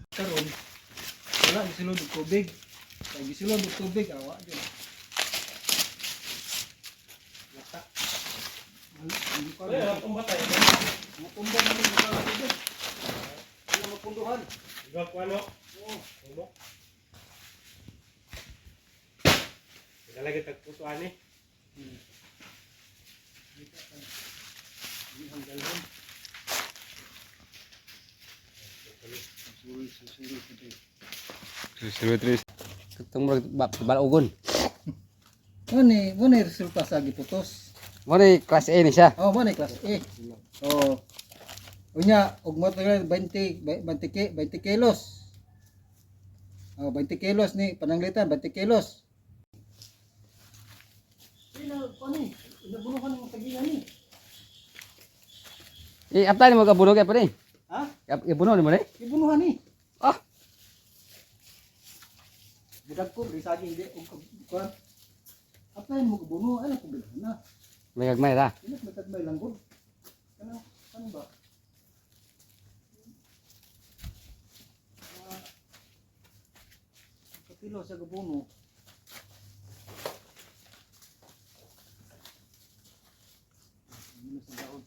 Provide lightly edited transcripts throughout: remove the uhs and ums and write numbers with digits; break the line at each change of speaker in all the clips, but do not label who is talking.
Karon wala gisulod og tubig. Kay gisulod og tubig awa gyud. Lata. Hindi pa.
Ay, tumbatay.
Matumba na ni sa tubig. Wala mapunduhan.
Igak ko ano?
Oo.
Tumo. Lagi tagputuan eh.
Ang galon.
Terus. Ketemu balagon.
Mo ni resulta sa giputos.
Mo ni kelas E ni siya.
Oh, mo ni class A. Oh. Unya, ug mo tagal 20 kilos. Oh, 20 kilos ni pananglitan, 20 kilos. Ni, inabunuhan mo tagilan ni.
Apa ni mo kabunog apa ni?
Ha?
Ibunog ni mo ni?
Ibunuhan ni.
Ah,
Budak ko risagi hindi ug kuan. Apa mo kabuno ano ko bilhan na.
may gagmay ra.
Inak matagmay lang gud. Ano ba? Kapilo sa gabuno. Minus ang daon.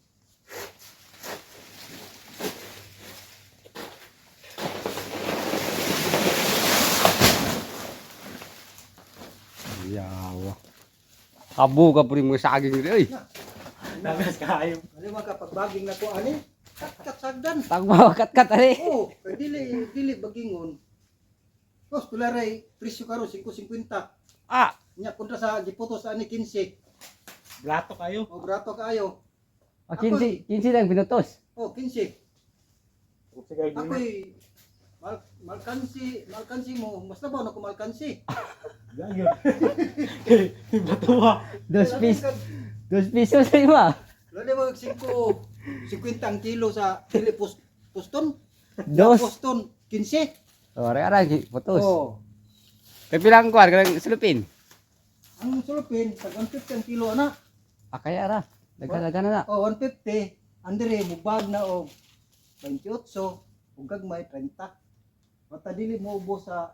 Yawa. Abo ka puri mo saging ri euy.
Nagas kayo.
Ano man kapag baging na ko ani? Kat sagdan.
Tagmaw kat ari.
Oh, kay dili bagingon. Kos tularay presyo karo 5.50.
Ah,
Nya kontra sa giputos ani 15.
Blato kayo.
O brato kaayo.
15 lang pinutos.
Oh, 15.
Sige,
Ako'y malkansi mo. Mas nabaw na ko malkansi.
Gayo. Batuwa.
2 pesos sa ima.
Lalo mo 50 ang kilo sa dili puston.
Dos.
Puston 15.
Oh, ara putos.
Oh.
Kay pilang kuan kanang sulupin.
Ang sulupin tag 150 ang kilo ana.
Kaya ra. Dagan na.
Oh, 150. Andre mubag na og 28 ug gagmay 30. Mata dili mo ubos sa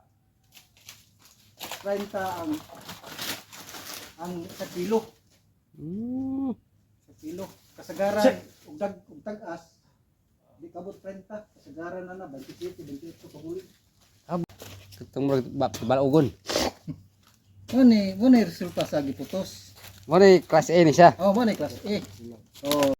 30 ang sa kilo. Sa kilo. Kasagaran ug tag-as di kabot 30. Kasagaran na 27, 28 paguli.
Ketemu balagon.
Mo ni resulta sa giputos.
Mo ni kelas E ni siya.
Oh, mo ni class A. Oh.